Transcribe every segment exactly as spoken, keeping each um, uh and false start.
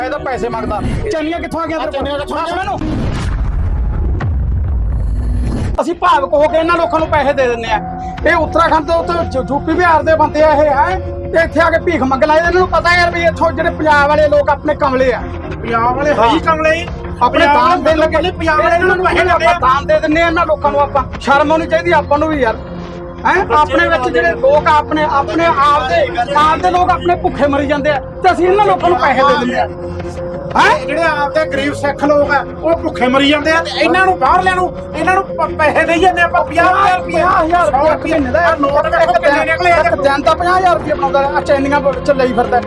ਇਹਦਾ ਪੈਸੇ ਮੰਗਦਾ ਚੈਨੀਆਂ ਕਿੱਥੋਂ ਆ ਗਿਆ ਤੇਰੇ ਕੋਲ ਦੱਸ ਮੈਨੂੰ। ਅਸੀਂ ਭਾਵਕ ਹੋ ਕੇ ਇਹਨਾਂ ਲੋਕਾਂ ਨੂੰ ਪੈਸੇ ਦੇ ਦਿੰਦੇ ਆ। ਇਹ ਉੱਤਰਾਖੰਡ ਤੋਂ ਉੱਥੇ ਯੂਪੀ ਬਿਹਾਰ ਦੇ ਬੰਦੇ ਆ ਇਹ ਹੈ ਤੇ ਇੱਥੇ ਆ ਕੇ ਭੀਖ ਮੰਗ ਲਾਏ। ਇਹਨਾਂ ਨੂੰ ਪਤਾ ਯਾਰ ਵੀ ਇੱਥੋਂ ਜਿਹੜੇ ਪੰਜਾਬ ਵਾਲੇ ਲੋਕ ਆਪਣੇ ਕਮਲੇ ਆ। ਪੰਜਾਬ ਵਾਲੇ ਹੈ ਹੀ ਕਮਲੇ ਹੀ ਆਪਣੇ ਦਾਨ ਦੇਣ ਲੱਗੇ ਪੰਜਾਬ ਵਾਲੇ ਇਹਨਾਂ ਨੂੰ ਪੈਸੇ ਆਪਾਂ ਦਾਨ ਦੇ ਦਿੰਦੇ ਆ ਇਹਨਾਂ ਲੋਕਾਂ ਨੂੰ। ਆਪਾਂ ਸ਼ਰਮ ਆਉਣੀ ਚਾਹੀਦੀ ਆਪਾਂ ਨੂੰ ਵੀ ਯਾਰ ਹੈ। ਆਪਣੇ ਵਿੱਚ ਜਿਹੜੇ ਲੋਕ ਆਪਣੇ ਆਪਣੇ ਆਪ ਦੇ ਆਪ ਦੇ ਲੋਕ ਆਪਣੇ ਭੁੱਖੇ ਮਰੀ ਜਾਂਦੇ ਆ ਤੇ ਅਸੀਂ ਇਹਨਾਂ ਲੋਕਾਂ ਨੂੰ ਪੈਸੇ ਦੇ ਦਿੰਦੇ ਆ ਹੈ। ਜਿਹੜੇ ਆਪਦੇ ਗਰੀਬ ਸਿੱਖ ਲੋਕ ਆ ਉਹ ਭੁੱਖੇ ਮਰੀ ਜਾਂਦੇ ਆ ਤੇ ਇਹਨਾਂ ਨੂੰ ਬਾਹਰ ਲੈਣ ਨੂੰ ਇਹਨਾਂ ਨੂੰ ਪ- ਪੈਸੇ ਦੇਈ ਜਾਂਦੇ ਆਪਾਂ ਪੰਜਾਹ ਹਜ਼ਾਰ ਰੁਪਏ ਪੰਜਾਹ ਹਜ਼ਾਰ ਰੁਪਏ ਮਹੀਨੇ ਦਾ ਨੋਟ ਵੇਖੋ ਕਿੰਨੇ ਨਿਕਲੇ ਆ। ਇੱਕ ਦਿਨ ਦਾ ਪੰਜਾਹ ਹਜ਼ਾਰ ਰੁਪਏ ਬਣਾਉਂਦਾ ਆ ਚੈਨੀਆਂ ਚ ਲਈ ਫਿਰਦਾ।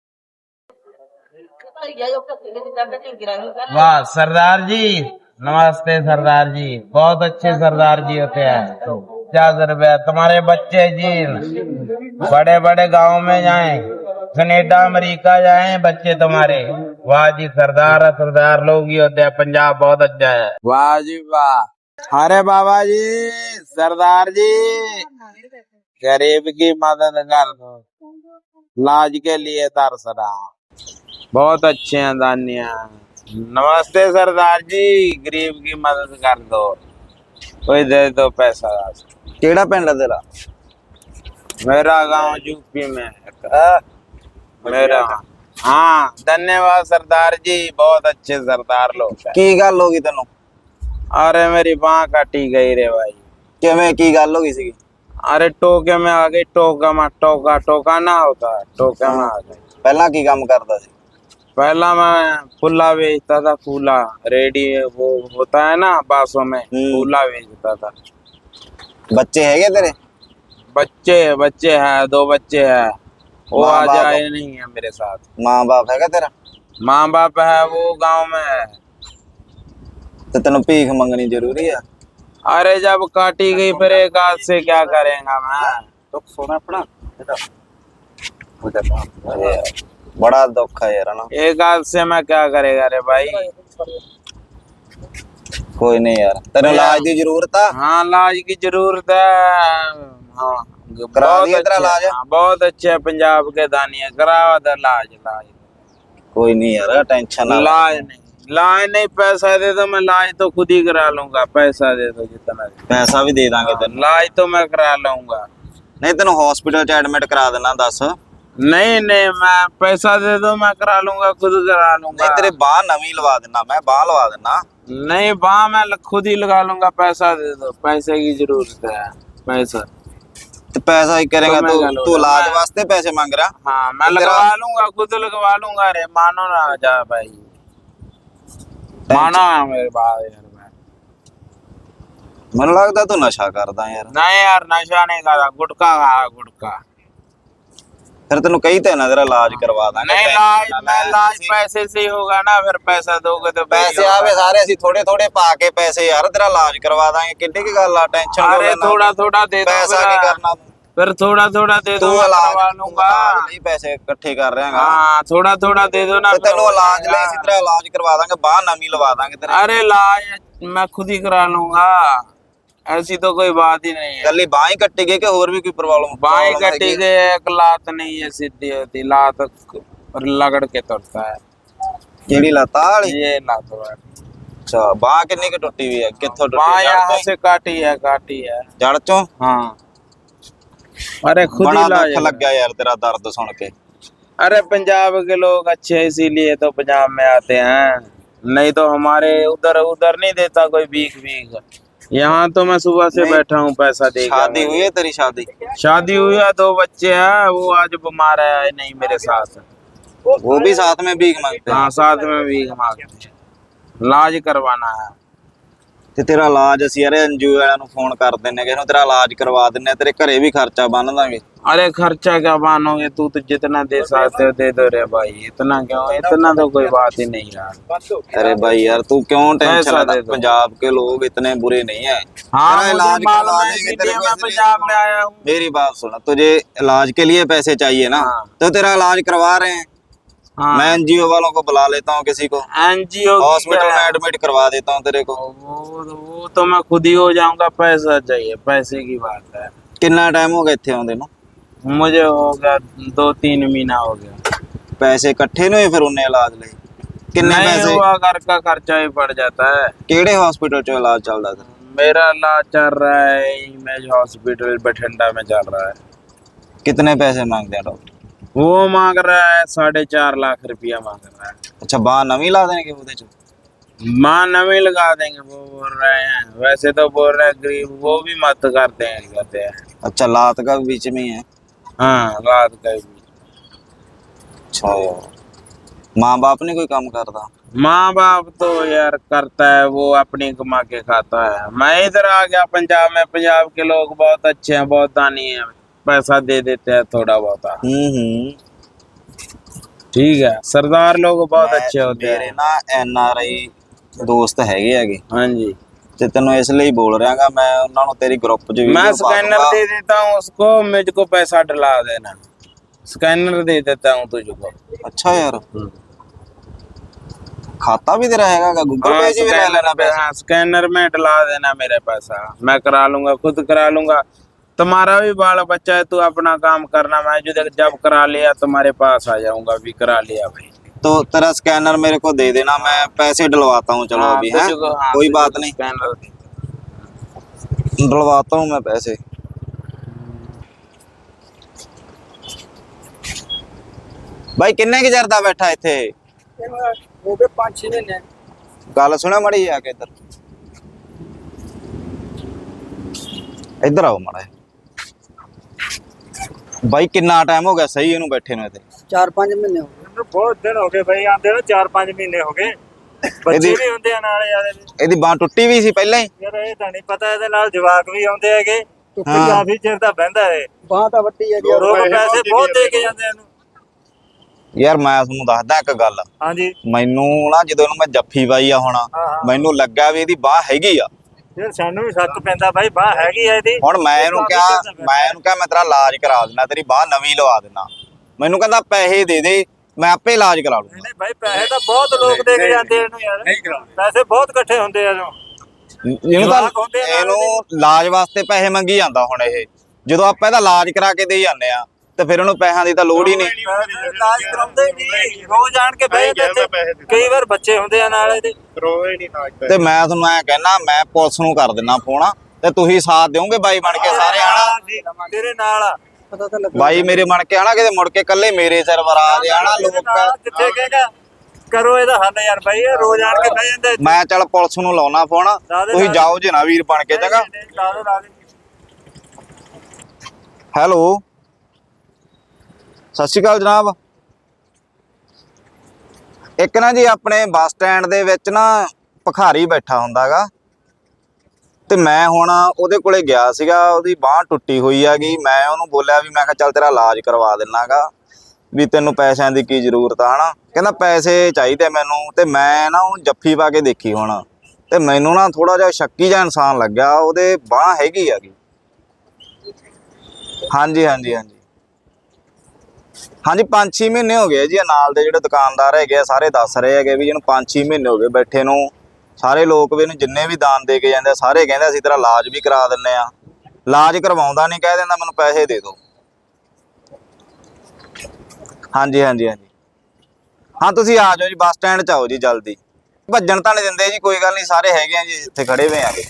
वाह सरदार जी, नमस्ते सरदार जी, बहुत अच्छे सरदार जी होते हैं। पचास रुपया तुम्हारे बच्चे जी बड़े बड़े गांव में जाएं, कनेडा अमेरिका जाएं बच्चे तुम्हारे। वाह जी सरदार सरदार लोग ही होते हैं। पंजाब बहुत अच्छा है। वाह जी वाह। अरे बाबा जी सरदार जी गरीब की मदद कर दो, इलाज के लिए तरसरा। बहुत अच्छे हैं दानिया। नमस्ते सरदार जी, गरीब की मदद कर दो, कोई दे दो पैसा। केड़ा पिंड है तेरा? मेरा गांव यूपी में है। मेरा हाँ धन्यवाद सरदार जी, बहुत अच्छे सरदार लोग हैं। की गल हो गई तेनों? अरे मेरी बांह काटी गई रे भाई। किवें की गल हो गई सी? अरे टोके में आ गई। टोका में टोका टोका ना होता है, टोके में आ गई। पहला की काम करदा सी? पहला मैं फूला बेचता था। फूला रेडी वो होता है ना बासों में, फूला बेचता था। बच्चे है तेरे? बच्चे बच्चे हैं, दो बच्चे हैं। वो माँ आज बाप? आए नहीं है मेरे साथ। माँ बाप है तेरा? माँ बाप है वो गांव में है। तो तेनों भीख मंगनी जरूरी है? अरे जब काटी गई फिर एक हाथ से क्या करेगा मैं। तो सोना अपना बड़ा दुख है यार ना। एक हाथ से मैं क्या करेगा रे भाई। कोई नहीं यार, तेरे इलाज की जरूरत है? हाँ इलाज की जरूरत है। हाँ करा बहुत दिया तेरा अच्छे- इलाज? हाँ, बहुत अच्छे है पंजाब के दानिया। करावा दे इलाज इलाज कोई नहीं यार, टेंशन ना। इलाज नहीं इलाज नहीं पैसा दे दो, मैं इलाज तो खुद ही करा लूंगा। पैसा दे दो जितना दे। पैसा भी दे दांगे तेन। इलाज तो मैं करा लूंगा। नहीं तेन हॉस्पिटल च एडमिट करा देना। दस नहीं नहीं मैं पैसा दे दो, मैं करा लूंगा, खुद करा लूंगा। नहीं तेरे बाह नवी लवा देना, मैं बाह लवा देना। नहीं बाह मैं ल- खुद ही लगा लूंगा। पैसा दे दो, पैसे की जरूरत है। पैसा तो पैसा ही करेगा तो मैं तू? कर लूंगा। तू इलाज मैं- वास्ते पैसे मांग रहा? हाँ मैं तेरा- लगवा लूंगा, खुद लगवा लूंगा। अरे मानो ना जा भाई, मानो है मेरे बाप यार। मैं मैनू लगता तू नशा करदा यार। नहीं यार नशा नहीं करा, गुटखा खाया गुटखा। फिर तेन कही तो ना तेरा इलाज करवा देंगे। नहीं इलाज मैं इलाज पैसे से ही होगा ना। फिर पैसा दोगे तो पैसे आवे सारे ਅਸੀਂ थोड़े थोड़े पा के पैसे यार तेरा इलाज करवा देंगे। किड्डी की गल आ, टेंशन क्यों अरे लेना? थोड़ा थोड़ा दे दो पैसा फिर- की करना तू? फिर थोड़ा थोड़ा दे दो, तू मैं इलाज करवा लूंगा। नहीं पैसे इकट्ठे कर रहे हैं। हाँ थोड़ा थोड़ा दे दो ना। तो फिर तेनू हो इलाज जाएगा। ले इसी तरह इलाज करवा देंगे, बाह नवी लवा देंगे तेरे। अरे इलाज मैं खुद ही करा लूंगा, ऐसी तो कोई बात ही नहीं है। गली बाह ही कट्टी गई कि और भी कोई प्रॉब्लम? बाई कटी गई, एक लात नहीं है सीधी होती, लात लगड़ के तुरता है। केड़ी लता वाली? ये लात है। अच्छा बाह कितनी की टूटी हुई है? कित्थों टूटी? बाई जड़ यहाँ चों? से काटी है, काटी है। जड़ चों? हाँ अरे खुद बड़ा ही इलाज दुख लग गया यार तेरा दर्द सुन के। अरे पंजाब के लोग अच्छे हैं, इसीलिए तो पंजाब में आते हैं। नहीं तो हमारे उधर उधर नहीं देता कोई भीख भीख। यहाँ तो मैं सुबह से नहीं। बैठा हूँ पैसा दे। शादी हुई है तेरी? शादी शादी हुई है, दो बच्चे हैं। वो आज बीमार है नहीं मेरे साथ। वो भी साथ में भीख मांगते हैं? हाँ साथ में भीख मांगते हैं। इलाज करवाना है। ਤੇ ਤੇਰਾ ਇਲਾਜ ਅਸੀਂ ਯਾਰ ਐਨਜੀਓ ਵਾਲਿਆਂ ਨੂੰ ਫੋਨ ਕਰ ਦਿੰਨੇ ਕਿ ਇਹਨੂੰ ਤੇਰਾ ਇਲਾਜ ਕਰਵਾ ਦਿੰਨੇ, ਤੇਰੇ ਘਰੇ ਵੀ ਖਰਚਾ ਬੰਨ ਦਾਂਗੇ। अरे खर्चा क्या मानोगे, तू तो जितना दे सकते हो दे दो रे भाई। इतना क्यों, इतना तो कोई बात ही नहीं यार। अरे भाई यार तू क्यों टेंशन पैसा लेता? दे दो। पंजाब के लोग इतने बुरे नहीं है। हाँ तेरा मुझे इलाज मालूम करवा है, देंगे इसीलिए तेरे को, मैं इसलिए- पंजाब में आया हूँ। मेरी बात सुन, तुझे इलाज के लिए पैसे चाहिए ना? हाँ। तो तेरा इलाज करवा रहे हैं। हाँ मैं एनजीओ वालों को बुला लेता हूँ, किसी को एनजीओ हॉस्पिटल में एडमिट करवा देता हूँ तेरे को। वो वो तो मैं खुद ही हो जाऊंगा। पैसा चाहिए, पैसे की बात है। कितना टाइम हो गया इत्थे आउंदे नूं? मुझे हो गया दो तीन महीना हो गया। पैसे इकट्ठे नहीं होए फिर उन्हें इलाज ਲਈ? किन्ने नहीं पैसे हुआ घर का खर्चा ही पड़ जाता है। केड़े हॉस्पिटल च इलाज चलदा तेरा? मेरा इलाज चल रहा है इमेज हॉस्पिटल बठिंडा में चल रहा है। कितने पैसे मांगते हैं डॉक्टर? वो मांग रहा है साढ़े चार लाख रुपया मांग रहा है। अच्छा बांह नवी ला देंगे ਉਹਦੇ ਚ? माँ नवी लगा देंगे वो बोल रहे हैं, वैसे तो बोल रहे हैं गरीब वो भी मत करते हैं कहते हैं। अच्छा लात का भी बीच में ही है? हाँ रात का भी। अच्छा यार माँ बाप नहीं कोई काम करता? माँ बाप तो यार करता है वो अपनी कमा के खाता है। मैं इधर आ गया पंजाब में, पंजाब के लोग बहुत अच्छे हैं, बहुत दानी हैं, पैसा दे देते हैं थोड़ा बहुत। हम्म हम्म ठीक है सरदार लोग बहुत मैं- अच्छे होते ਮੇਰੇ हैं। ਨਾ ਐਨ ਆਰ ਆਈ ਦੋਸਤ ਹੈਗੇ ਹੈਗੇ हाँ जी ਤੇ ਤੈਨੂੰ ਇਸ ਲਈ ਬੋਲ ਰਿਹਾਗਾ ਮੈਂ ਉਹਨਾਂ ਨੂੰ ਤੇਰੀ ਗਰੁੱਪ 'ਚ मैं ਵੀਡੀਓ ਪਾ स्कैनर ਦੂੰਗਾ। दे देता हूँ उसको, मुझको पैसा डला देना। स्कैनर दे देता हूँ तुझको। अच्छा यार खाता भी तेरा हैगा गूगल हाँ, पे जी भी ले लेना स्कैनर पे पैसा? हाँ स्कैनर में डला देना मेरे पैसा, मैं करा लूंगा, खुद करा लूंगा। तुम्हारा भी बाल बच्चा है, तू अपना काम करना, मैं जो जब करा लिया तुम्हारे पास आ जाऊंगा। भी करा लिया भाई। तो तेरा स्कैनर मेरे को दे देना, मैं पैसे डलवाता हूँ। चलो हाँ, अभी है तुझको- हाँ, कोई तुझको बात नहीं, स्कैनर दे। डलवाता हूँ मैं पैसे। भाई किन्ने की चरदा बैठा इत्थे? ਹੋ ਗਏ ਪੰਜ ਛੇ ਮਹੀਨੇ। गल सुनो मड़ी आके इधर इधर आओ माड़ा जिहा। भाई किन्ना टाइम हो गया सही इनू बैठे ने इत्थे? ਚਾਰ ਪੰਜ ਮਹੀਨੇ ਹੋ ਗਏ। ਬਹੁਤ ਦਿਨ ਹੋ ਗਏ ਬਈ ਆਂਦੇ ਨੂੰ ਚਾਰ ਪੰਜ ਮਹੀਨੇ ਹੋ ਗਏ। ਬੱਚੇ ਇਹਦੀ- ਵੀ ਹੁੰਦੇ ਆ ਨਾਲ ਯਾਰ ਇਹਦੇ। ਇਹਦੀ ਬਾਂਹ ਟੁੱਟੀ ਵੀ ਸੀ ਪਹਿਲਾਂ ਹੀ? ਯਾਰ ਇਹ ਤਾਂ ਨਹੀਂ ਪਤਾ, ਇਹਦੇ ਨਾਲ ਜਵਾਕ ਵੀ ਆਉਂਦੇ ਹੈਗੇ। ਹਾਂ। ਕਾਫੀ ਚਿਰ ਦਾ ਬਹਿੰਦਾ ਹੈ। ਬਾਂਹ ਤਾਂ ਵੱਡੀ ਹੈ ਲੋਕ ਪੈਸੇ ਬਹੁਤ ਦੇ ਕੇ ਜਾਂਦੇ ਇਹਨੂੰ। ਯਾਰ ਮੈਂ ਤੁਹਾਨੂੰ ਦੱਸਦਾ ਇੱਕ ਗੱਲ, ਹਾਂਜੀ ਮੈਨੂੰ ਨਾ ਜਦੋਂ ਇਹਨੂੰ ਮੈਂ ਜੱਫੀ ਪਾਈ ਆ ਹੁਣ ਹਾਂ, ਹਾਂ। ਮੈਨੂੰ ਲੱਗਾ ਵੀ ਇਹਦੀ ਬਾਂਹ ਹੈਗੀ ਆ। ਯਾਰ ਸਾਨੂੰ ਵੀ ਸ਼ੱਕ ਪੈਂਦਾ ਬਾਈ ਬਾਹ ਹੈਗੀ ਆ ਇਹਦੀ। ਹੁਣ ਮੈਂ ਇਹਨੂੰ ਕਾਫੀ ਕਿਹਾ ਚਿਰ ਦਾ ਬਹਿੰਦਾ। ਮੈਂ ਇਹਨੂੰ ਕਿਹਾ ਮੈਂ ਤੇਰਾ ਇਲਾਜ ਕਰਾ ਦਿੰਦਾ, ਤੇਰੀ ਬਾਂਹ ਨਵੀਂ ਲਵਾ ਦਿੰਦਾ। ਮੈਨੂੰ ਕਹਿੰਦਾ ਪੈਸੇ ਦੇ ਦੇ ਮੈਂ ਆਪੇ ਇਲਾਜ ਕਰਾ ਲੂੰਗਾ। ਨਹੀਂ ਭਾਈ ਪੈਸੇ ਤਾਂ ਬਹੁਤ ਲੋਕ ਦੇ ਕੇ ਜਾਂਦੇ ਇਹਨੂੰ ਯਾਰ। ਪੈਸੇ ਬਹੁਤ ਇਕੱਠੇ ਹੁੰਦੇ ਆ ਇਹਨੂੰ। ਇਹਨੂੰ ਤਾਂ ਜਵਾਕ ਹੁੰਦੇ ਆ ਨਾਲ ਇਹਨੂੰ ਇਲਾਜ ਵਾਸਤੇ ਪੈਸੇ ਮੰਗੀ ਜਾਂਦਾ। ਹੁਣ ਇਹ ਜਦੋਂ ਆਪਾਂ ਇਹਦਾ ਇਲਾਜ ਕਰਾ ਕੇ ਦੇ ਜਾਂਦੇ ਆ ਤੇ ਫਿਰ ਉਹਨੂੰ ਪੈਸਿਆਂ ਦੀ ਤਾਂ ਲੋੜ ਹੀ ਨਹੀਂ। ਇਲਾਜ ਕਰਾਉਂਦੇ ਨਹੀਂ, ਰੋਜ਼ ਆਣ ਕੇ ਬਹਿ ਜਾਂਦੇ ਇੱਥੇ। ਕਈ ਵਾਰ ਬੱਚੇ ਹੁੰਦੇ ਆ ਨਾਲ ਇਹਦੇ। ਰੋਏ ਨਹੀਂ ਨਾਚ ਤੇ ਮੈਂ ਤੁਹਾਨੂੰ ਐ ਕਹਿਣਾ ਮੈਂ ਪੁਲਿਸ ਨੂੰ ਕਰ ਦਿੰਦਾ ਫੋਨ ਤੇ ਤੁਸੀਂ ਸਾਥ ਦਿਓਗੇ ਬਾਈ ਬਣ ਕੇ ਸਾਰੇ ਆਣਾ। ਤੇਰੇ ਨਾਲ ਆ। ਪਤਾ ਤਾਂ ਲੱਗਾ। ਬਾਈ ਮੇਰੇ ਬਣ ਕੇ ਆਣਾ, ਕਿਤੇ ਮੁੜ ਕੇ ਕੱਲੇ ਮੇਰੇ ਸਿਰ ਵਰਾ ਦੇ ਆਣਾ ਲੋਕ। ਕਿੱਥੇ ਕਹੇਗਾ ਕਰੋ ਇਹਦਾ ਹੱਲ ਯਾਰ ਬਾਈ, ਇਹ ਰੋਜ਼ ਆਣ ਕੇ ਬਹਿ ਜਾਂਦੇ ਇੱਥੇ। ਮੈਂ ਚੱਲ ਪੁਲਿਸ ਨੂੰ ਲਾਉਣਾ ਫੋਨ, ਤੁਸੀਂ ਜਾਓ ਜੇ ਨਾ ਵੀਰ ਬਣ ਕੇ ਚੰਗਾ। ਲਾ ਦਿਓ, ਲਾ ਦਿਓ। ਹੈਲੋ ਸਤਿ ਸ਼੍ਰੀ ਅਕਾਲ ਜਨਾਬ। ਇੱਕ ਨਾ ਜੀ ਆਪਣੇ ਬੱਸ ਸਟੈਂਡ ਦੇ ਵਿੱਚ ਨਾ ਭਿਖਾਰੀ ਬੈਠਾ ਹੁੰਦਾਗਾ ਤੇ ਮੈਂ ਹੁਣ ਉਹਦੇ ਕੋਲੇ ਗਿਆ ਸੀਗਾ। ਉਹਦੀ ਬਾਂਹ ਟੁੱਟੀ ਹੋਈ ਹੈਗੀ। ਮੈਂ ਉਹਨੂੰ ਬੋਲਿਆ ਵੀ ਮੈਂ ਕਿਹਾ ਚੱਲ ਤੇਰਾ ਇਲਾਜ ਕਰਵਾ ਦਿੰਨਾਗਾ, ਵੀ ਤੈਨੂੰ ਪੈਸਿਆਂ ਦੀ ਕੀ ਜ਼ਰੂਰਤ ਆ ਹਨਾ। ਕਹਿੰਦਾ ਪੈਸੇ ਚਾਹੀਦੇ ਮੈਨੂੰ। ਤੇ ਮੈਂ ਨਾ ਉਹ ਜੱਫੀ ਪਾ ਕੇ ਦੇਖੀ ਹੁਣ ਤੇ ਮੈਨੂੰ ਨਾ ਥੋੜਾ ਜਿਹਾ ਸ਼ੱਕੀ ਜਿਹਾ ਇਨਸਾਨ ਲੱਗਿਆ। ਉਹਦੇ ਬਾਂਹ ਹੈਗੀ ਹੈਗੀ। ਹਾਂਜੀ ਹਾਂਜੀ ਹਾਂਜੀ ਹਾਂਜੀ ਪੰਜ ਛੇ ਮਹੀਨੇ ਹੋ ਗਏ ਜੀ। ਨਾਲ ਦੇ ਜਿਹੜੇ ਦੁਕਾਨਦਾਰ ਹੈਗੇ ਆ ਸਾਰੇ ਦੱਸ ਰਹੇ ਹੈਗੇ ਵੀ ਇਹਨੂੰ ਪੰਜ ਛੇ ਮਹੀਨੇ ਹੋ ਗਏ ਬੈਠੇ ਨੂੰ। ਸਾਰੇ ਲੋਕ ਵੀ ਇਹਨੂੰ ਜਿੰਨੇ ਵੀ ਦਾਨ ਦੇ ਕੇ ਜਾਂਦੇ ਸਾਰੇ ਕਹਿੰਦੇ ਅਸੀਂ ਤੇਰਾ ਇਲਾਜ ਵੀ ਕਰਾ ਦਿੰਨੇ ਆ। ਇਲਾਜ ਕਰਵਾਉਂਦਾ ਨਹੀਂ, ਕਹਿ ਦਿੰਦਾ ਮੈਨੂੰ ਪੈਸੇ ਦੇ ਦਿਓ। ਹਾਂਜੀ ਹਾਂਜੀ ਹਾਂਜੀ ਹਾਂ ਤੁਸੀਂ ਆ ਜਾਓ ਜੀ, ਬੱਸ ਸਟੈਂਡ 'ਚ ਆਓ ਜੀ ਜਲਦੀ। ਭੱਜਣ ਤਾਂ ਨਹੀਂ ਦਿੰਦੇ ਜੀ, ਕੋਈ ਗੱਲ ਨਹੀਂ, ਸਾਰੇ ਹੈਗੇ ਆ ਜੀ ਇੱਥੇ ਖੜੇ ਹੋਏ ਆਗੇ।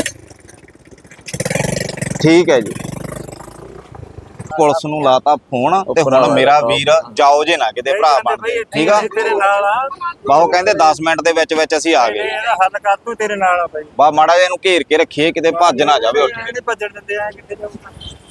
ਠੀਕ ਹੈ ਜੀ। ਪੁਲਿਸ ਨੂੰ ਲਾਤਾ ਫੋਨ ਤੇ ਹੁਣ ਮੇਰਾ ਵੀਰ ਜਾਓ ਜੇ ਨਾ ਕਿਤੇ ਭਰਾ ਬਣ ਕੇ, ਠੀਕ ਆ। ਤੇਰੇ ਨਾਲ ਆ। ਬਾਹੋ ਕਹਿੰਦੇ ਦਸ ਮਿੰਟ ਦੇ ਵਿੱਚ ਵਿੱਚ ਅਸੀਂ ਆ ਗਏ। ਇਹਦਾ ਹੱਲ ਕਰ ਤੂੰ, ਤੇਰੇ ਨਾਲ ਆ ਬਾਈ। ਬਾ ਮਾੜਾ ਜਿਹਾ ਇਹਨੂੰ ਘੇਰ ਕੇ ਰੱਖੀਏ ਕਿਤੇ ਭੱਜ ਨਾ ਜਾਵੇ ਉੱਠ ਕੇ। ਨਹੀਂ ਭੱਜਣ ਦਿੰਦੇ ਆ, ਕਿੱਥੇ ਜਾਊਗਾ।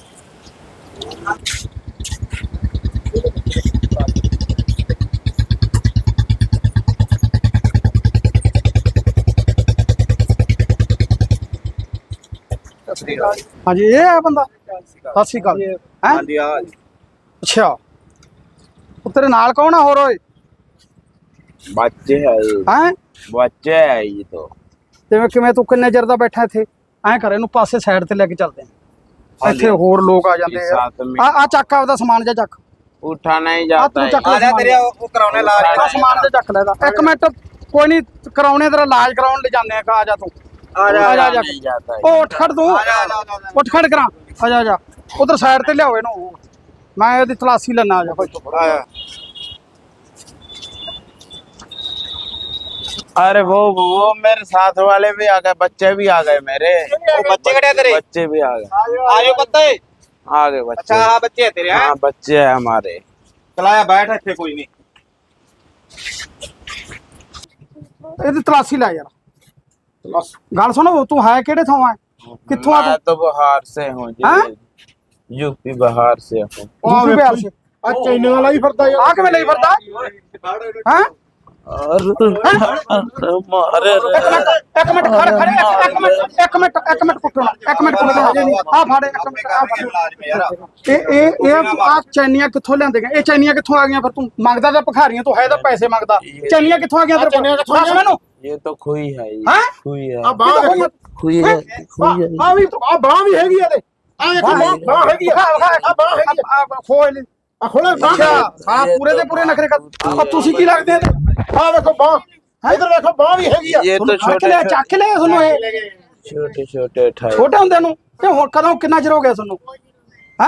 ਹਾਂਜੀ ਇਹ ਹੈ ਬੰਦਾ। ਸਤਿ ਸ਼੍ਰੀ ਅਕਾਲ। ਹੈਂ? ਹਾਂਜੀ ਆ ਅੱਛਾ ਉਹ ਤੇਰੇ ਨਾਲ ਕੌਣ ਆ ਹੋਰ ਓਏ? बच्चे है ये, ਹੈਂ बच्चे है ये तो। ਜਿਵੇਂ ਕਿਵੇਂ ਤੂੰ ਕਿੰਨੇ ਚਿਰ ਦਾ ਬੈਠਾ ਇੱਥੇ? ਐਂ ਕਰ ਇਹਨੂੰ ਪਾਸੇ ਸਾਈਡ ਤੇ ਲੈ ਕੇ ਚੱਲਦੇ ਆ। ਇੱਥੇ ਹੋਰ ਲੋਕ ਆ ਜਾਂਦੇ इस ਆ। साथ में ਆ ਆ ਚੱਕ ਆਪਦਾ ਸਮਾਨ ਜਾ ਚੱਕ। उठा नहीं ਆ जाता ਤੂੰ है। ਚੱਕ ਲੈ ਸਮਾਨ। ਉਹ ਕਰਾਉਣੇ ਇਲਾਜ ਆ ਸਮਾਨ ਤੇ ਚੱਕ ਲੈ ਇਹਦਾ। ਇੱਕ ਮਿੰਟ ਕੋਈ ਨਹੀਂ, ਕਰਾਉਣੇ ਤੇਰਾ ਇਲਾਜ ਕਰਾਉਣ ਲੈ ਜਾਂਦੇ ਆ। ਆ ਜਾ ਤੂੰ आ जा, ਆ ਜਾ, ਆ ਜਾ। नहीं जाता है। ਉਹ ਉੱਠ ਖੜ ਤੂੰ, ਉੱਠ ਖੜ ਕਰਾਂ। ਆ ਜਾ ਆ ਜਾ ਉਧਰ ਸਾਈਡ ਤੇ ਲਿਆਓ ਇਹਨੂੰ, ਮੈਂ ਇਹਦੀ ਤਲਾਸ਼ੀ ਲੈਣਾ। ਆ ਜਾ ਭਾਈ अरे वो वो मेरे साथ वाले भी आ गए, बच्चे भी आ गए मेरे। ਉਹ ਬੱਚੇ ਕਿਹੜੇ ਆ ਤੇਰੇ बच्चे भी आ गए, ਆਜੋ ਪੱਤੇ आ गए बच्चे। ਅੱਛਾ ਆ ਬੱਚੇ ਆ ਤੇਰੇ ਹੈ हाँ बच्चे है हमारे। ਚਲਾਇਆ ਬੈਠ ਇੱਥੇ ਕੋਈ ਨਹੀਂ ਇਹਦੀ ਤਲਾਸ਼ੀ ਲੈ ਯਾਰ ਗੱਲ ਸੁਣੋ ਤੂੰ ਹੈ ਕਿਹੜੇ ਥਾਂ ਹੈ ਕਿੱਥੋਂ ਆ मैं ਤੂੰ तो बिहार से हूँ हाँ? जी, यूपी बिहार से हूँ। ਯੂਪੀ ਬਿਹਾਰ ਸੇ ਆ ਚੈਨੇ ਵਾਲਾ ਹੀ ਫਿਰਦਾ ਯਾਰ ਆ ਕਿਵੇਂ ਲਈ ਫਿਰਦਾ ਹੈ और मारे ਇੱਕ ਮਿੰਟ ਇੱਕ ਮਿੰਟ ਖੜ ਖੜ ਇੱਕ ਮਿੰਟ ਇੱਕ ਮਿੰਟ ਇੱਕ ਮਿੰਟ ਕੁੱਟਣਾ ਇੱਕ ਮਿੰਟ ਕੁੱਟਣਾ ਆ ਫੜ ਇੱਕ ਮਿੰਟ ਆ ਫੜ ਇਹ ਇਹ ਇਹ ਆ ਚੈਨੀਆਂ ਕਿੱਥੋਂ ਲਿਆਂਦੇ ਗਏ ਇਹ ਚੈਨੀਆਂ ਕਿੱਥੋਂ ਆ ਗਈਆਂ ਫਿਰ ਤੂੰ ਮੰਗਦਾ ਤਾਂ ਭਖਾਰੀਆਂ ਤੋਂ ਹੈ ਤਾਂ ਪੈਸੇ ਮੰਗਦਾ ਚੈਨੀਆਂ ਕਿੱਥੋਂ ਆ ਗਈਆਂ ਤੇਰੇ ਕੋਲ ਦੱਸ ਮੈਨੂੰ ये तो खुई है ये, हैं? खुई ਆ है, ਬਾਹ ਵੇਖੋ खुई है, खुई है। ਆ ਵੀ ਆ ਬਾਹ ਵੀ ਹੈਗੀ ਆ ਤੇ ਆ ਦੇਖੋ ਬਾਹ ਬਾਹ ਹੈਗੀ ਆ ਆ ਬਾਹ ਹੈਗੀ ਆ ਖੋਲ ਆ ਖੋਲੇ ਅੱਛਾ ਹਾਂ ਪੂਰੇ ਦੇ ਪੂਰੇ ਨਖਰੇ ਕਰ ਆ ਤੁਸੀਂ ਕੀ ਲੱਗਦੇ ਆ ਆ ਵੇਖੋ ਬਾਹ ਇਧਰ ਵੇਖੋ ਬਾਹ ਵੀ ਹੈਗੀ ਆ ये तो ਚੱਕ छोटे ਲਿਆ ਚੱਕ ਲਿਆ ਤੁਹਾਨੂੰ ਇਹ छोटे छोटे ठाई। ਛੋਟੇ ਹੁੰਦੇ ਨੂੰ ਤੇ ਹੁਣ ਕਦੋਂ ਕਿੰਨਾ ਚਿਰ ਹੋ ਗਿਆ ਤੁਹਾਨੂੰ ਹੈ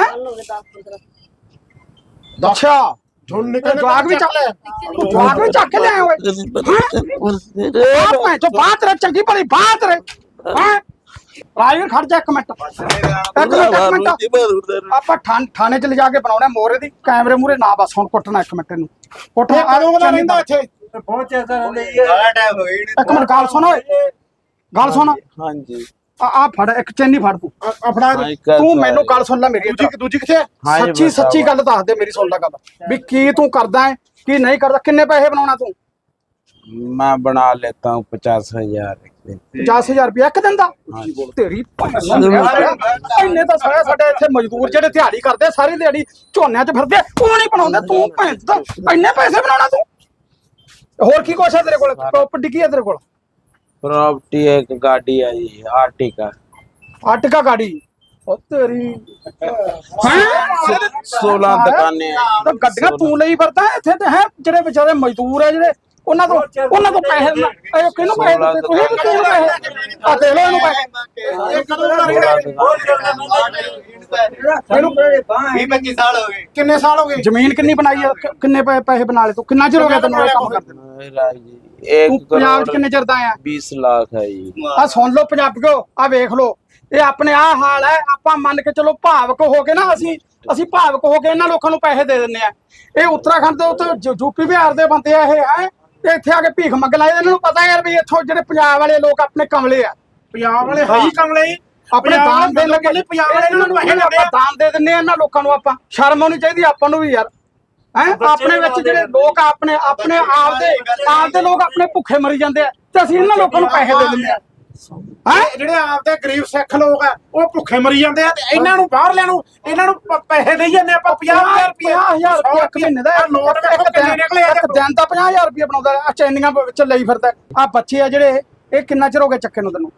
ਅੱਛਾ ਝੁੰਨ ਇਹ ਨਿਕਲ ਜਵਾਕ ਵੀ ਚੱਕ ਲਿਆ ਤੂੰ ਜਵਾਕ ਵੀ ਚੱਕ ਲਿਆ ਓਏ ਆ ਭੈਣ ਚੋ ਬਾਤ ਰੇ ਚੰਗੀ ਭਲੀ ਬਾਤ ਰੇ ਹੈ ਰਾਜਵੀਰ ਖੜ ਜਾ ਇੱਕ ਮਿੰਟ ਇੱਕ ਮਿੰਟ ਇੱਕ ਮਿੰਟ ਆਪਾਂ ਥਾਣ- ਥਾਣੇ ਚ ਲਿਜਾ ਕੇ ਬਣਾਉਣਾ ਮੋਰੇ ਦੀ ਕੈਮਰੇ ਮੂਰੇ ਨਾ ਬਸ ਹੁਣ ਕੁੱਟਣਾ ਇੱਕ ਮਿੰਟ ਇਹਨੂੰ ਕੁੱਟ ਇਹ ਕਦੋਂ ਦਾ ਰਹਿੰਦਾ ਇੱਥੇ ਸਾਰਾ ਟਾਈਮ ਹੋ ਗਈ ਇੱਕ ਮਿੰਟ ਗੱਲ ਸੁਣ ਓਏ ਗੱਲ ਸੁਣ हाँ जी। ਆ ਆ ਫੜ ਇੱਕ ਚੈਨੀ ਫੜ ਤੂੰ ਆਪਣਾ हाँ, एक ਤੂੰ तो ਮੈਨੂੰ है। ਗੱਲ ਸੁਣ ਲੈ ਮੇਰੀ ਦੂਜੀ ਦੂਜੀ ਕਿੱਥੇ ਆ हाँ जी, ਸੱਚੀ बताओ। ਸੱਚੀ ਗੱਲ ਦੱਸ ਦੇ ਮੇਰੀ ਸੁਣ ਲੈ ਗੱਲ ਵੀ ਕੀ ਤੂੰ ਕਰਦਾ ਹੈ ਕੀ ਨਹੀਂ ਕਰਦਾ ਕਿੰਨੇ ਪੈਸੇ ਬਣਾਉਣਾ ਤੂੰ मैं बना लेता हूँ पचास हजार। ਪਚਾਸ ਹਜ਼ਾਰ ਰੁਪਏ ਇੱਕ ਦਿਨ ਦਾ ਤੇਰੀ ਇੰਨੇ ਤਾਂ ਸਾਰੇ ਸਾਡੇ ਇੱਥੇ ਮਜ਼ਦੂਰ ਜਿਹੜੇ ਦਿਹਾੜੀ ਕਰਦੇ ਸਾਰੀ ਦਿਹਾੜੀ ਝੋਨਿਆਂ 'ਚ ਫਿਰਦੇ ਉਹ ਨਹੀਂ ਬਣਾਉਂਦੇ ਤੂੰ ਭੈਣ ਦਾ ਇੰਨੇ ਪੈਸੇ ਬਣਾਉਣਾ ਤੂੰ ਹੋਰ ਕੀ ਕੁਛ ਹੈ ਤੇਰੇ ਕੋਲ ਪ੍ਰੋਪਰਟੀ ਕੀ ਹੈ ਤੇਰੇ ਕੋਲ प्रॉपर्टी एक गाड़ी आई है आर्टिका, ਆਟਕਾ ਗਾੜੀ ਉਹ ਤੇਰੀ सोलह दुकानें हैं। ਤਾਂ ਗੱਡੀਆਂ ਤੂੰ ਲਈ ਫਿਰਦਾ ਇੱਥੇ ਤੇ ਹੈ ਜਿਹੜੇ ਵਿਚਾਰੇ ਮਜ਼ਦੂਰ ਹੈ ਜਿਹੜੇ ਉਹਨਾਂ ਤੋਂ ਉਹਨਾਂ ਤੋਂ ਪੈਸੇ ਲੈ- ਇਹ ਕਿਹਨੂੰ ਪੈਸੇ ਦਿੱਤੇ ਤੁਸੀਂ ਦਿੱਤੇ ਇਹਨੂੰ ਪੈਸੇ ਆ ਦੇ ਲੋ ਇਹਨੂੰ ਪੈਸੇ ਇਹ ਕਦੋਂ ਦਾ ਰਹਿੰਦਾ ਇੱਥੇ? ਇਹਨੂੰ ਵੀਹ ਪੱਚੀ ਸਾਲ ਹੋ ਗਏ ਕਿੰਨੇ ਸਾਲ ਹੋ ਗਏ ਜ਼ਮੀਨ ਕਿੰਨੀ ਬਣਾਈ ਹੈ ਕਿ- ਕਿੰਨੇ ਪੈ- ਪੈਸੇ ਬਣਾ ਲਏ ਤੂੰ ਕਿੰਨਾ ਚਿਰ ਹੋ ਗਿਆ ਤੈਨੂੰ ਇਹ ਕੰਮ ਕਰਦੇ ਨੂੰ? मेरा जी ਤੂੰ एक ਪੰਜਾਬ 'ਚ करोड़ ਕਿੰਨੇ ਚਿਰ ਦਾ ਆਇਆ बीस लाख है जी। ਆ ਸੁਣ ਲਓ ਪੰਜਾਬੀਓ ਆ ਵੇਖ ਲਓ ਇਹ ਆਪਣੇ ਆ ਹਾਲ ਹੈ ਆਪਾਂ ਮੰਨ ਕੇ ਚਲੋ ਭਾਵਕ ਹੋ ਕੇ ਨਾ ਅਸੀਂ ਅਸੀਂ ਭਾਵਕ ਹੋ ਕੇ ਇਹਨਾਂ ਲੋਕਾਂ ਨੂੰ ਪੈਸੇ ਦੇ ਦਿੰਦੇ ਆ ਇਹ ਉੱਤਰਾਖੰਡ ਦੇ ਉੱਤੇ ਯੂਪੀ ਬਿਹਾਰ ਦੇ ਬੰਦੇ ਆ ਇਹ ਹੈ ਤੇ ਇੱਥੇ ਆ ਕੇ ਭੀਖ ਮੰਗ ਲਾਏ ਇਹਨਾਂ ਨੂੰ ਪਤਾ ਯਾਰ ਵੀ ਇੱਥੋਂ ਜਿਹੜੇ ਪੰਜਾਬ ਵਾਲੇ ਲੋਕ ਆਪਣੇ ਕਮਲੇ ਆ ਪੰਜਾਬ ਵਾਲੇ ਹੈ ਹੀ ਕਮਲੇ ਹੀ ਆਪਣੇ ਦਾਨ ਦੇਣ ਲੱਗੇ ਲੱਗੇ ਪੰਜਾਬ ਵਾਲੇ ਇਹਨਾਂ ਨੂੰ ਪੈਸੇ ਆਪਾਂ ਦਿੰਦੇ ਆ ਦਾਨ ਦੇ ਦਿੰਦੇ ਆ ਇਹਨਾਂ ਲੋਕਾਂ ਨੂੰ ਆਪਾਂ ਸ਼ਰਮ ਆਉਣੀ ਚਾਹੀਦੀ ਆਪਾਂ ਨੂੰ ਵੀ ਯਾਰ ਹੈ ਆਪਣੇ ਵਿੱਚ ਜਿਹੜੇ ਲੋਕ ਆਪਣੇ ਆਪਣੇ ਆਪ ਦੇ ਆਪ ਦੇ ਲੋਕ ਆਪਣੇ ਭੁੱਖੇ ਮਰੀ ਜਾਂਦੇ ਆ ਤੇ ਅਸੀਂ ਇਹਨਾਂ ਲੋਕਾਂ ਨੂੰ ਪੈਸੇ ਦੇ ਦਿੰਦੇ ਆ ਹੈ ਜਿਹੜੇ ਆਪਦੇ ਗਰੀਬ ਸਿੱਖ ਲੋਕ ਆ ਉਹ ਭੁੱਖੇ ਮਰੀ ਜਾਂਦੇ ਆ ਤੇ ਇਹਨਾਂ ਨੂੰ ਬਾਹਰਲਿਆਂ ਨੂੰ ਇਹਨਾਂ ਨੂੰ ਪ- ਪੈਸੇ ਦੇਈ ਜਾਂਦੇ ਆਪਾਂ ਪੰਜਾਹ ਹਜ਼ਾਰ ਰੁਪਏ ਪੰਜਾਹ ਹਜ਼ਾਰ ਰੁਪਏ ਇੱਕ ਮਹੀਨੇ ਦਾ ਆਹ ਨੋਟ ਵੇਖੋ ਕਿੰਨੇ ਨਿਕਲੇ ਆ ਇੱਕ ਦਿਨ ਦਾ ਪੰਜਾਹ ਹਜ਼ਾਰ ਰੁਪਏ ਬਣਾਉਂਦਾ ਆ ਚੈਨੀਆਂ ਵਿੱਚ ਲਈ ਫਿਰਦਾ ਆ ਬੱਚੇ ਆ ਜਿਹੜੇ ਇਹ ਕਿੰਨਾ ਚਿਰ ਹੋ ਗਿਆ ਚੱਕੇ ਨੂੰ ਤੈਨੂੰ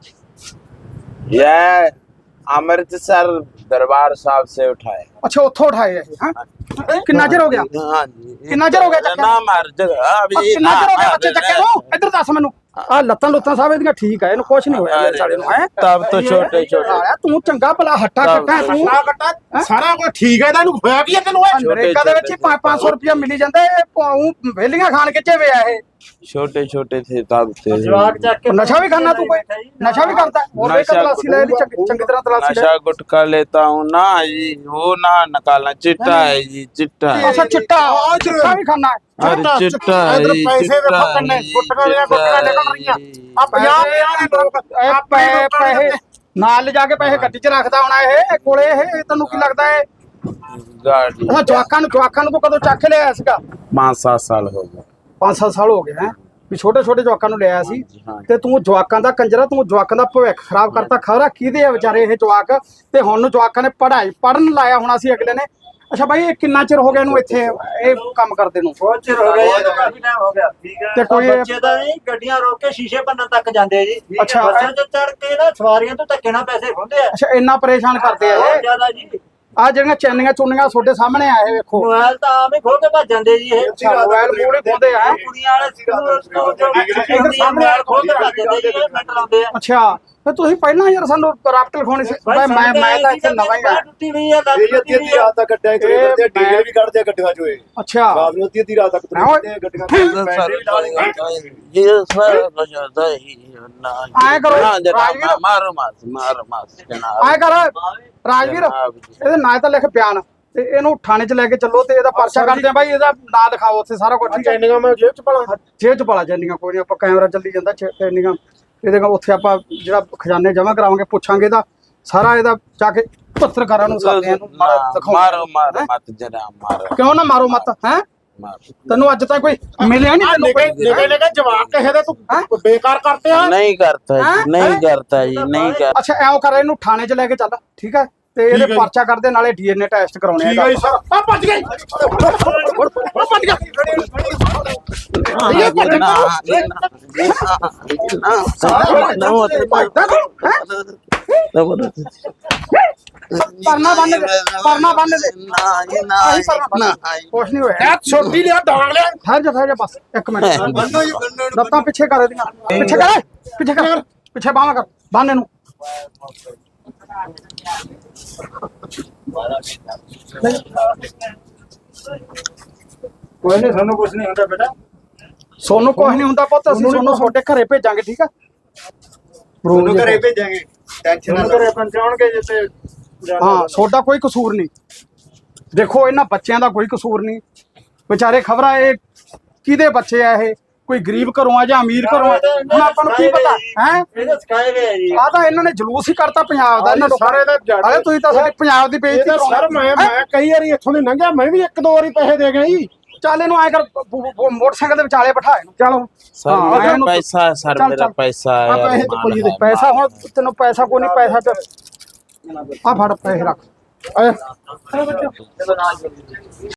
यह अमृतसर दरबार साहब से उठाए। ਅੱਛਾ ਉੱਥੋਂ ਉਠਾਏ ਇਹ ਹਾਂ ਕਿੰਨਾ ਚਿਰ ਹੋ ਗਿਆ हाँ जी। कितना चेर हो गया चक्कर? ना मार जगह ਆ अभी ਕਿੰਨਾ ਚਿਰ ਹੋ ਗਿਆ ना- ਬੱਚੇ ਚੱਕੇ ਨੂੰ ਇੱਧਰ ਦੱਸ ਮੈਨੂੰ ਆ ਲੱਤਾਂ ਲੁੱਤਾਂ ਸਾਹਿਬ ਇਹਦੀਆਂ ਠੀਕ ਆ ਇਹਨੂੰ ਕੁਛ ਨਹੀਂ ਹੋਇਆ ਮੇਰੇ ਸਾਲੇ ਨੂੰ ਹੈ तब तो छोटे छोटे ਆਇਆ ਤੂੰ ਚੰਗਾ ਭਲਾ ਹੱਟਾ ਕੱਟਾ ਹੈ ਤੂੰ ਆ ਕੱਟਾ ਸਾਰਾ ਕੁਝ ਠੀਕ ਹੈ ਇਹਦਾ ਇਹਨੂੰ ਹੋਇਆ ਕੀ ਹੈ ਤੈਨੂੰ ਓਏ ਅਮਰੀਕਾ ਦੇ ਵਿੱਚ ਹੀ ਪੰਜ ਸੌ ਰੁਪਇਆ ਮਿਲੀ ਜਾਂਦਾ ਇਹ ਪਾਉ ਵੇਲੀਆਂ ਖਾਣ ਕੇ ਚੇਵੇ ਆ ਇਹ छोटे छोटे थे तब थे। ਨਸ਼ਾ ਵੀ ਖਾਣਾ ਤੂੰ ਕੋਈ ਨਸ਼ਾ ਵੀ ਕਰਦਾ ਹੋਰ ਵੇਖ नशा- ਤਲਾਸੀ ਲੈ ਲਈ ਚੰਗੀ ਚੰਗੀ ਤਰ੍ਹਾਂ ਤਲਾਸੀ ਲੈ नशा गुटखा लेता हूँ ना जी, वो ना निकालना, चिट्टा है जी, चिट्टा है। ਅੱਛਾ ਚਿੱਟਾ ਚਿੱਟਾ ਵੀ ਖਾਣਾ अरे चिट्टा है ਇੱਧਰ जी, ਪੈਸੇ चिट्टा ਵੇਖੋ है ਕਿੰਨੇ जी, ਗੁੱਟਕਾਂ ਦੀਆਂ चिट्टा ਗੁੱਟਕਾਂ है ਨਿਕਲ ਰਹੀਆਂ जी। ਆ ਪੰਜਾਹ ਪੰਜਾਹ ਦੇ ਲੋਕ ਇਹ ਆ ਪੈ ਪੈਸੇ ਨਾਲ ਲਿਜਾ ਕੇ ਪੈਸੇ ਗੱਡੀ 'ਚ ਰੱਖਦਾ ਹੋਣਾ ਇਹ ਇਹ ਕੋਲੇ ਇਹ ਇਹ ਤੈਨੂੰ ਕੀ ਲੱਗਦਾ ਹੈ गाड़ी ਅੱਛਾ ਜਵਾਕਾਂ ਨੂੰ ਜਵਾਕਾਂ ਨੂੰ ਤੂੰ ਕਦੋਂ ਚੱਕ ਲਿਆ ਸੀਗਾ पाँच सात साल हो गए। ਪੰਜ ਸੱਤ ਸਾਲ ਹੋ ਗਏ ਹੈ ਵੀ ਛੋਟੇ ਛੋਟੇ ਜਵਾਕਾਂ ਨੂੰ ਲਿਆ ਸੀ ਹਾਂ। ਤੇ ਤੂੰ ਜਵਾਕਾਂ ਦਾ ਕੰਜਰਾ ਤੂੰ ਜਵਾਕਾਂ ਦਾ ਭਵਿੱਖ ਖਰਾਬ ਕਰਤਾ ਖਬਰਾ ਕਿਹਦੇ ਆ ਵਿਚਾਰੇ ਇਹ ਜਵਾਕ ਤੇ ਹੁਣ ਨੂੰ ਜਵਾਕਾਂ ਨੇ ਪੜ੍ਹਾਈ ਪੜਨ ਲਾਇਆ ਹੋਣਾ ਸੀ ਅਗਲੇ ਨੇ ਅੱਛਾ ਬਾਈ ਇਹ ਕਿੰਨਾ ਚਿਰ ਹੋ ਗਿਆ ਇਹਨੂੰ ਇੱਥੇ ਇਹ ਕੰਮ ਕਰਦੇ ਨੂੰ ਬਹੁਤ ਚਿਰ ਹੋ ਗਿਆ ਜੀ, ਕਾਫੀ ਟਾਈਮ ਹੋ ਗਿਆ ਠੀਕ ਹੈ ਤੇ ਕੋਈ- ਬੱਚੇ ਤਾਂ ਨਹੀਂ ਗੱਡੀਆਂ ਰੋਕ ਕੇ ਸ਼ੀਸ਼ੇ ਭੰਨਣ ਤੱਕ ਜਾਂਦੇ ਆ ਜੀ ਅੱਛਾ। ਬੱਸਾਂ 'ਚ ਚੜ ਕੇ ਨਾ ਸਵਾਰੀਆਂ ਤੋਂ ਧੱਕੇ ਨਾਲ ਪੈਸੇ ਖੁੰਦੇ ਆ ਅੱਛਾ ਇੰਨਾ ਪਰੇਸ਼ਾਨ ਕਰਦੇ ਆ ਬਹੁਤ ਇਹ ਜ਼ਿਆਦਾ ਜੀ ਆ ਜਿਹੜੀਆਂ ਚੈਨੀਆਂ ਚੁੰਨੀਆਂ ਤੁਹਾਡੇ ਸਾਹਮਣੇ ਆਏ ਵੇਖੋ ਮੋਬਾਈਲ ਤਾਂ ਆਮ ਹੀ ਖੋ ਕੇ ਭੱਜ ਜਾਂਦੇ ਜੀ ਇਹ ਅੱਛਾ, ਮੋਬਾਈਲ ਮੂਹਰੇ ਖੋਹਦੇ ਆ। ਕੁੜੀਆਂ ਵਾਲੇ ਸਕੂਲ ਤੋਂ ਜੋ ਸਾਹਮਣੇ ਖੋ ਕੇ ਭੱਜ ਜਾਂਦੇ ਜੀ ਇਹ ਮਿੰਟ ਲਾਉਂਦੇ ਆ ਅੱਛਾ ਫਿਰ ਤੁਸੀਂ ਪਹਿਲਾਂ ਯਾਰ ਸਾਨੂੰ ਰਾਫਟ ਲਿਖਾਉਣੀ ਸੀ ਮੈਂ ਮੈਂ ਮੈਂ ਤਾਂ ਇੱਥੇ ਨਵਾਂ ਹੀ ਆ ਟੁੱਟੀ ਹੋਈ ਹੈ ਲੱਤ ਇਹ ਅੱਧੀ ਅੱਧੀ ਰਾਤ ਤੱਕ ਕੱਟਿਆ ਕਰੇ ਇਹ ਕਰਦੇ ਡੀਜ਼ਲ ਮੈਂ- ਵੀ ਕੱਢਦੇ ਆ ਗੱਡੀਆਂ ਚੋਂ ਇਹ ਅੱਛਾ ਰਾਤ ਨੂੰ ਅੱਧੀ ਅੱਧੀ ਰਾਤ ਤੱਕ ਨਾ ਓਏ। ਤੁਰੇ ਗੱਡੀਆਂ ਬੈਟਰੀ ਵੀ ਡਾਲ ये सारा बजाता ही ना आए करो, ना जनाब, राजवीर। मारो मास मारो मास जनाब ਐ ਕਰ ਰਾਜਵੀਰ ਜਨਾਬ ਜੀ। ਇਹਦੇ ਨਾਂ ਤਾਂ ਲਿਖ ਬਿਆਨ ਤੇ ਇਹਨੂੰ ਥਾਣੇ 'ਚ ਲੈ ਕੇ ਚੱਲੋ ਤੇ ਇਹਦਾ ਪਰਚਾ ਕਰਦੇ ਆ ਬਾਈ ਇਹਦਾ ਨਾਂ ਲਿਖਾਓ ਉੱਥੇ ਸਾਰਾ ਕੁਝ ਠੀਕ ਹੈ ਚੈਨਿੰਗਾਂ ਮੈਂ ਜੇਬ ਚ ਪਾਲਾਂ ਜੇਲ੍ਹ 'ਚ ਪਾਲਾ ਜੈਨੀਆਂ ਕੋਈ ਨਹੀਂ ਆਪਾਂ ਕੈਮਰਾ ਚੱਲੀ ਜਾਂਦਾ ਚੈਨੀਆਂ ਇਹਦੇ ਕੋਲ ਉੱਥੇ ਆਪਾਂ ਜਿਹੜਾ ਖਜ਼ਾਨੇ ਜਮ੍ਹਾਂ ਕਰਾਵਾਂਗੇ ਪੁੱਛਾਂਗੇ ਇਹਦਾ ਸਾਰਾ ਇਹਦਾ ਜਾ ਕੇ ਪੱਤਰਕਾਰਾਂ ਨੂੰ ਸਾਥ ਇਹਨੂੰ ਮਾਰਾ ਦਿਖਾਓ मारो मारो मत जनाब मारो ਕਿਉਂ ਨਾ ਮਾਰੋ ਮਤ ਹੈ मारो ਤੈਨੂੰ ਅੱਜ ਤੱਕ ਕੋਈ ਮਿਲਿਆ ਨਹੀਂ ਤੈਨੂੰ ਨਿਕੇ ਕੋਈ ਨਿਕੇ ਨਿਕੇ ਜਵਾਬ ਕਿਸੇ ਦੇ ਤੂੰ ਹੈਂ? ਬੇਕਾਰ ਕਰਤੇ ਆ नहीं करता हैं? जी नहीं करता जी नहीं कर ਅੱਛਾ ਐਂ ਕਰ ਇਹਨੂੰ ਥਾਣੇ 'ਚ ਲੈ ਕੇ ਚੱਲ ਠੀਕ ਹੈ ਤੇ ਠੀਕ ਇਹਦੇ ਹੈ ਜੀ। ਪਰਚਾ ਕਰਦੇ ਨਾਲੇ ਡੀਐਨਏ ਟੈਸਟ ਕਰਾਉਣੇ ਠੀਕ ਹੈ ਜੀ ਸਰ ਆ ਭੱਜ ਗਈ ਆ ਭੱਜ ਗਿਆ ਇਹ ਭੱਜ ਗਿਆ ਪਰਨਾ ਬੰਨ ਦੇ ਪਰਨਾ ਬੰਨ ਦੇ ਆਹੀ ਪਰਨਾ ਬੰਨ ਦੇ। ਕੁਛ ਨਹੀਂ ਹੋਇਆ ਇਹ ਛੋਟੀ ਲਿਆ ਡਾਂਗ ਲਿਆ ਠਹਿਰ ਜਾ ਠਹਿਰ ਜਾ ਬਸ ਇੱਕ ਮਿੰਟ ਲੱਤਾਂ ਪਿੱਛੇ ਕਰ ਇਹਦੀਆਂ ਪਿੱਛੇ ਕਰ ਪਿੱਛੇ ਕਰ ਪਿੱਛੇ ਬਾਹਾਂ ਕਰ ਬੰਨ ਇਹਨੂੰ ਕੋਈ ਨਹੀਂ ਸਾਨੂੰ ਕੁਝ ਨਹੀਂ ਹੁੰਦਾ ਬੇਟਾ ਸੋਨੂੰ ਕੁਛ ਨਹੀਂ ਹੁੰਦਾ ਪੁੱਤ ਅਸੀਂ ਸੋਨੂੰ ਤੁਹਾਡੇ ਘਰੇ ਭੇਜਾਂਗੇ ਠੀਕ ਆ ਉਹਨੂੰ ਘਰੇ ਭੇਜਾਂਗੇ ਟੈਨਸ਼ਨ ਨਾ ਸਾਨੂੰ ਘਰੇ ਪਹੁੰਚਾਉਣਗੇ ਜਿੱਤੇ ਹਾਂ ਤੁਹਾਡਾ ਕੋਈ ਕਸੂਰ ਨਹੀਂ ਦੇਖੋ ਇਹਨਾਂ ਬੱਚਿਆਂ ਦਾ ਕੋਈ ਕਸੂਰ ਨਹੀਂ ਵਿਚਾਰੇ ਖਬਰਾਂ ਇਹ ਕਿਹਦੇ ਬੱਚੇ ਆ ਇਹ ਕੋਈ ਗਰੀਬ ਘਰੋਂ ਆ ਜਾਂ ਅਮੀਰ ਘਰੋਂ ਆ ਹੁਣ ਆਪਾਂ ਨੂੰ ਕੀ ਪਤਾ ਹੈ ਇਹਦੇ ਸਿਖਾਏ ਗਏ ਆ ਜੀ ਆ ਤਾਂ ਇਹਨਾਂ ਨੇ ਜਲੂਸ ਹੀ ਕਰਤਾ ਪੰਜਾਬ ਦਾ ਇਹਨਾਂ ਲੋਕਾਂ ਸਾਰੇ ਦਾ ਜੱਟ ਅਰੇ ਤੁਸੀਂ ਤਾਂ ਸਾਡੇ ਪੰਜਾਬ ਦੀ ਬੇਇੱਜ਼ਤੀ ਇਹਦਾ ਸਰ ਕਰਾਉਂਦੇ ਮੈਂ ਮੈਂ ਕਈ ਵਾਰੀ ਇੱਥੋਂ ਦੀ ਲੰਘਿਆ ਮੈਂ ਵੀ ਇੱਕ ਦੋ ਵਾਰੀ ਪੈਸੇ ਦੇ ਗਿਆ ਜੀ ਚੱਲ ਇਹਨੂੰ ਐ ਕਰ ਬ- ਬ- ਬ- ਮੋਟਰਸਾਈਕਲ ਦੇ ਵਿਚਾਲੇ ਬਿਠਾ ਇਹਨੂੰ ਚਲੋ सर हाँ, मेरा ਇਹਨੂੰ- पैसा सर चल, मेरा चल। पैसा ਆ है ਪੈਸੇ ਤੇ अरमान ਕੋਈ है, ਪੈਸਾ मारो। ਹੁਣ ਤੈਨੂੰ ਪੈਸਾ ਕੋਈ ਨਹੀਂ ਪੈਸਾ ਤੇ ਆ ਫੜ ਪੈਸੇ ਰੱਖ ਆ